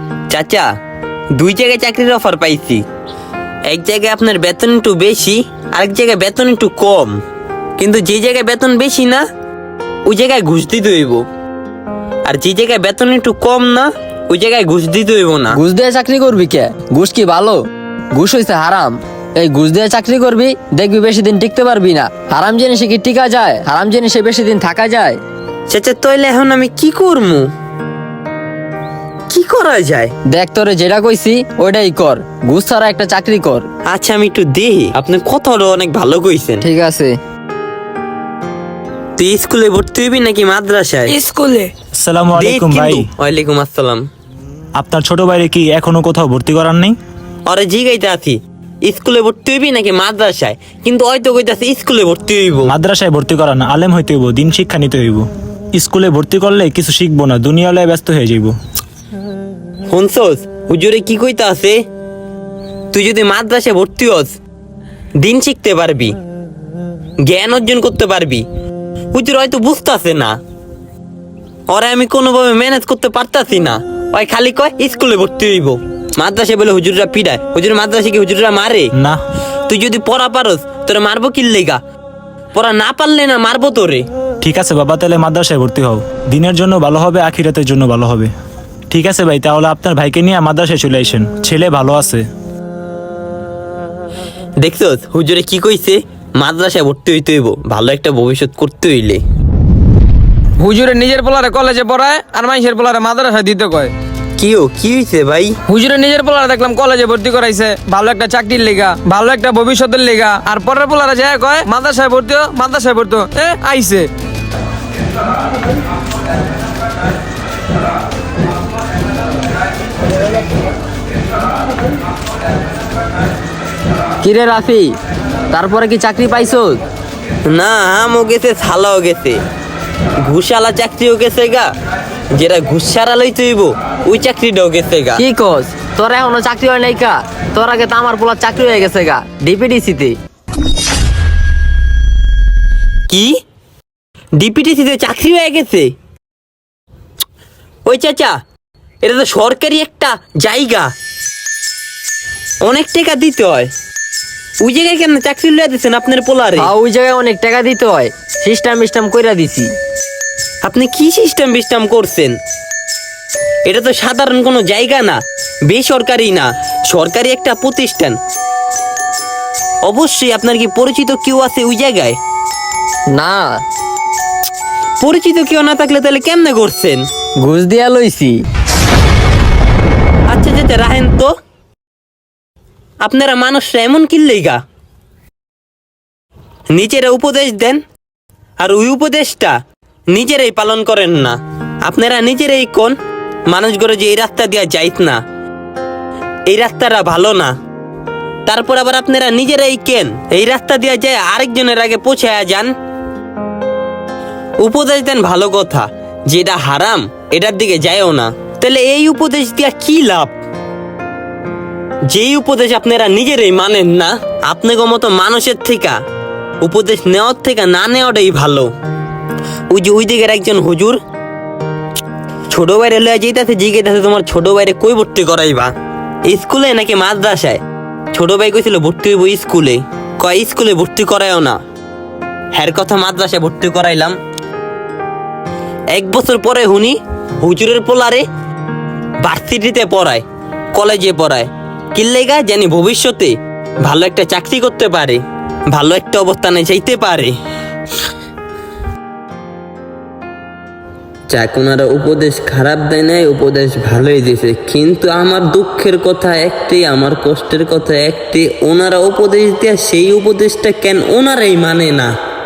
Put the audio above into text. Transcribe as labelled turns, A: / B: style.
A: চাচা, 2 জায়গায় চাকরির অফার পাইছি। এক জায়গায় আপনার বেতন একটু বেশি, আরেক জায়গায় বেতন একটু কম। কিন্তু যে জায়গায় বেতন বেশি না, ওই জায়গায় ঘুষ দিতে হইব। আর যে জায়গায় বেতন একটু কম না, ওই জায়গায় ঘুষ দিতে হইব না।
B: ঘুষ দিয়ে চাকরি করবি কে? ঘুষ কি ভালো? ঘুষ হইছে হারাম। এই ঘুষ দিয়ে চাকরি করবি, দেখবি বেশি দিন টিকতে পারবি না। হারাম জিনিসে কি টিকা যায়? হারাম জিনিসে বেশি দিন থাকা যায়?
A: চাচা, তাইলে এখন আমি কি করবো? কি করা যায়?
B: দেখ, তোরে যেটা কইছি ওইটাই কর। ঘুষ ছাড়া একটা চাকরি কর।
A: আচ্ছা, আমি একটু দেখি। আপনি কথাটা অনেক ভালো কইছেন।
B: ঠিক আছে।
A: তুই স্কুলে ভর্তি হইবি নাকি মাদ্রাসায়?
C: স্কুলে।
D: আসসালামু আলাইকুম ভাই।
A: ওয়ালাইকুম আসসালাম।
D: আপনার ছোট ভাইরে কি এখনো কোথাও ভর্তি করার নেই?
A: আরে জিগাইতে আছি, স্কুলে ভর্তি হইবি নাকি মাদ্রাসায়? কিন্তু হয়তো কইতাছে স্কুলে ভর্তি হইব।
D: মাদ্রাসায় ভর্তি করা না, আলেম হইতে হইব, দিন শিক্ষা নিতে হইব। স্কুলে ভর্তি করলে কিছু শিখবো না, দুনিয়ালয়ে ব্যস্ত হয়ে যাইব।
A: শুনছস হুজুরে কি কইতা আছে? তুই যদি মাদ্রাসায় ভর্তি হস, দিন শিখতে পারবি, জ্ঞান অর্জন করতে পারবি। হুজুর হয়তো বুঝতাছে না, ওরে আমি কোনোভাবে ম্যানেজ করতে পারতাছি না। ওই খালি কয় স্কুলে ভর্তি হইব। মাদ্রাসায় বলে হুজুররা পিড়ায়। হুজুর মাদ্রাসা কি হুজুররা মারে?
D: না।
A: তুই যদি পড়া পারস, তোরে মারবো কি লেগা? পড়া না পারলে না মারবো তোরে।
D: ঠিক আছে বাবা, তাহলে মাদ্রাসায় ভর্তি হও। দিনের জন্য ভালো হবে, আখিরাতের জন্য ভালো হবে। ঠিক আছে ভাই, তাহলে আপনার ভাইকে নিয়ে মাদ্রাসায় চলে আসেন। ছেলে ভালো আছে।
A: দেখছস হুজুরে কি কইছে? মাদ্রাসায় ভর্তি হইতে হইব, ভালো একটা ভবিষ্যৎ করতে হইলে।
C: হুজুরে নিজের পোলারে কলেজে পড়ায় আর মানুষের পোলারে মাদ্রাসায় দিতে কয়।
A: কি হইছে ভাই?
C: হুজুরে নিজের পোলারে দেখলাম কলেজে ভর্তি করাইছে ভালো একটা চাকরির লেগা, ভালো একটা ভবিষ্যতের লেগা। আর পরের পোলারে যায় কয় মাদ্রাসায় ভর্তি হো, মাদ্রাসায় ভর্তি হো। আইছে।
B: কিরে রাফি, তারপরে কি চাকরি পাইছো?
A: না, আমও গেছে, ছালাও গেছে, ঘুষালা চাকরিও গেছে গা। যেটা ঘুষ সারা লইতে হইব ওই চাকরিটাও গেছে গা।
B: কি কস? তোর এখনো চাকরি হয় নাই কা? তোর আগে তো আমার পোলার চাকরি হয়ে গেছে গা, ডিপিডিসিতে।
A: কি? ডিপিটিসিতে চাকরি হয়ে গেছে? ওই চাচা, এটা তো সরকারি একটা জায়গা, অনেক টাকা দিতে হয়। ওই জায়গায় কেন চাকরি লইয়া দিচ্ছেন আপনার পোলারে?
B: ওই জায়গায় অনেক টাকা দিতে হয়, সিস্টেম কইরা দিছি।
A: আপনি কি সিস্টেম করছেন? এটা তো সাধারণ কোনো জায়গা না, বেসরকারি না, সরকারি একটা প্রতিষ্ঠান। অবশ্যই আপনার কি পরিচিত কেউ আছে ওই জায়গায়?
B: না।
A: পরিচিত কেউ না থাকলে তাহলে কেমনে করছেন?
B: ঘুষ দিয়া লইছি।
A: আচ্ছা চাচা, রাহেন তো। আপনারা মানুষরা এমন কিল্লেগা নিজেরা উপদেশ দেন, আর ওই উপদেশটা নিজেরাই পালন করেন না। আপনারা নিজেরাই কোন মানুষগুলো যে এই রাস্তা দিয়া যাইত না, এই রাস্তাটা ভালো না, তারপর আবার আপনারা নিজেরাই কেন এই রাস্তা দিয়া যায় আরেকজনের আগে পৌঁছায়া যান। উপদেশ দেন ভালো কথা, যেটা হারাম এটার দিকে যায়ও না। তাহলে এই উপদেশ দিয়া কি লাভ? যেই উপদেশ আপনারা নিজেরাই মানেন না, আপনাকে মতো মানুষের থেকে উপদেশ নেওয়ার থেকে না নেওয়াটাই ভালো। ওই যে ওই দিকের একজন হুজুর ছোট বাইরে লইয়া যেতেছে, জিজ্ঞেস তোমার ছোট বাইরে কই ভর্তি করাইবা, স্কুলে নাকি মাদ্রাসায়? ছোট ভাই কইছিল ভর্তি হইব স্কুলে। কয় স্কুলে ভর্তি করায়ও না, হ্যার কথা মাদ্রাসায় ভর্তি করাইলাম। 1 বছর পরে হুনি হুজুরের পোলারে ভার্সিটিতে পড়ায়, কলেজে পড়ায়। কিল্লেগা জানি ভবিষ্যতে ভালো একটা চাকরি করতে পারে, ভালো একটা অবস্থানে যাইতে পারে। যাক, ওনারা উপদেশ খারাপ দেয় নাই, উপদেশ ভালোই দিয়েছে। কিন্তু আমার দুঃখের কথা একটি, আমার কষ্টের কথা একটি, ওনারা উপদেশ দেয় সেই উপদেশটা কেন ওনারাই মানে না।